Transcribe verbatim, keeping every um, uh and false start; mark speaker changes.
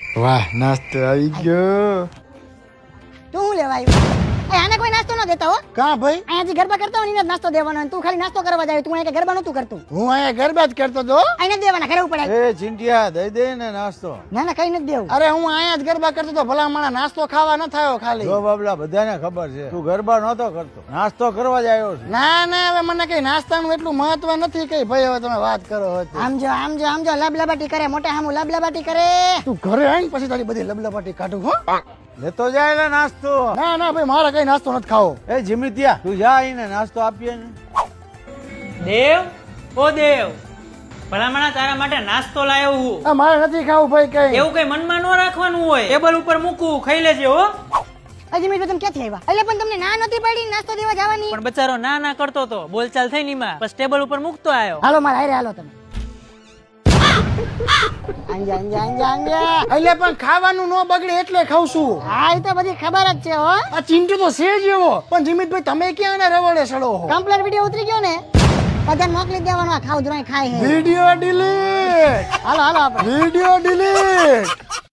Speaker 1: વાહ નાસ્તો આવી ગયો.
Speaker 2: તું શું લેવા આવ્યો? એ આને કોઈ નાસ્તો ન દેતા હો.
Speaker 1: કા ભાઈ?
Speaker 2: અહીંયા જે ગરબા કરતા હોય ને એને જ નાસ્તો દેવાનો હોય. તું ખાલી નાસ્તો કરવા જાય, તું અહીંયા ગરબા નતું કરતું.
Speaker 1: હું અહીંયા ગરબા જ કરતો તો.
Speaker 2: અહીંયા જ દેવાના, ઘરે ઉપર
Speaker 3: એ ચિંટિયા દઈ દે ને નાસ્તો.
Speaker 2: ના ના કઈ નથી દેવું.
Speaker 1: અરે હું અહીંયા જ ગરબા કરતો તો, ભલા માણા નાસ્તો ખાવા ન થયો ખાલી.
Speaker 3: જો બાબલા બધાને ખબર છે તું ગરબા નહોતો કરતો, નાસ્તો કરવા જ આવ્યો છે.
Speaker 1: ના ના હવે મને કઈ નાસ્તાનું એટલું મહત્વ નથી કઈ ભાઈ. હવે તમે વાત કરો હતી.
Speaker 2: આમ જો આમ જો આમ જો લબલબાટી કરે, મોટા હામું લબલબાટી કરે.
Speaker 1: તું ઘરે આવીને પછી તારી બધી લબલબાટી કાઢું હો.
Speaker 3: લેતો જાય ને નાસ્તો.
Speaker 1: ના ના ભાઈ મારે કઈ નાસ્તો નથી ખાવો.
Speaker 3: એ જીમિતિયા તું જા આઈને નાસ્તો આપીએ ને.
Speaker 4: દેવ ઓ દેવ, ભલામણા તારા માટે નાસ્તો લાવ્યો હું.
Speaker 1: આ મારે નથી ખાવું ભાઈ કઈ.
Speaker 4: એવું કઈ મનમાં ન રાખવાનું હોય, ટેબલ ઉપર મૂકવું, ખાઈ લેજે હો.
Speaker 2: હજી મેં તમે ક્યાંથી આવ્યા? એટલે પણ તમને ના નથી પડી નાસ્તો દેવા જવાની?
Speaker 4: પણ બચારો ના ના કરતો તો, બોલચાલ થઈ નીમાં, બસ ટેબલ ઉપર મૂકતો આવ્યો.
Speaker 2: હાલો મારા હારે હાલો તમે. અંજા અંજા અંજા અંજા.
Speaker 1: એટલે પણ ખાવાનું ન બગડે એટલે ખાઉં છું.
Speaker 2: હા એ તો બધી ખબર જ છે હો.
Speaker 1: આ ચિંટુ તો છે જ એવો. પણ જીમિતભાઈ તમે ક્યાં એને રવડે સડો છો?
Speaker 2: કમ્પ્લેટ વિડિયો ઉતરી ગયો ને, બધાને મોકલી દેવાનો. આ ખાવ ધરાય ખાય હે.
Speaker 1: Video delete.
Speaker 2: હાલો હાલો આપણે.
Speaker 1: Video delete.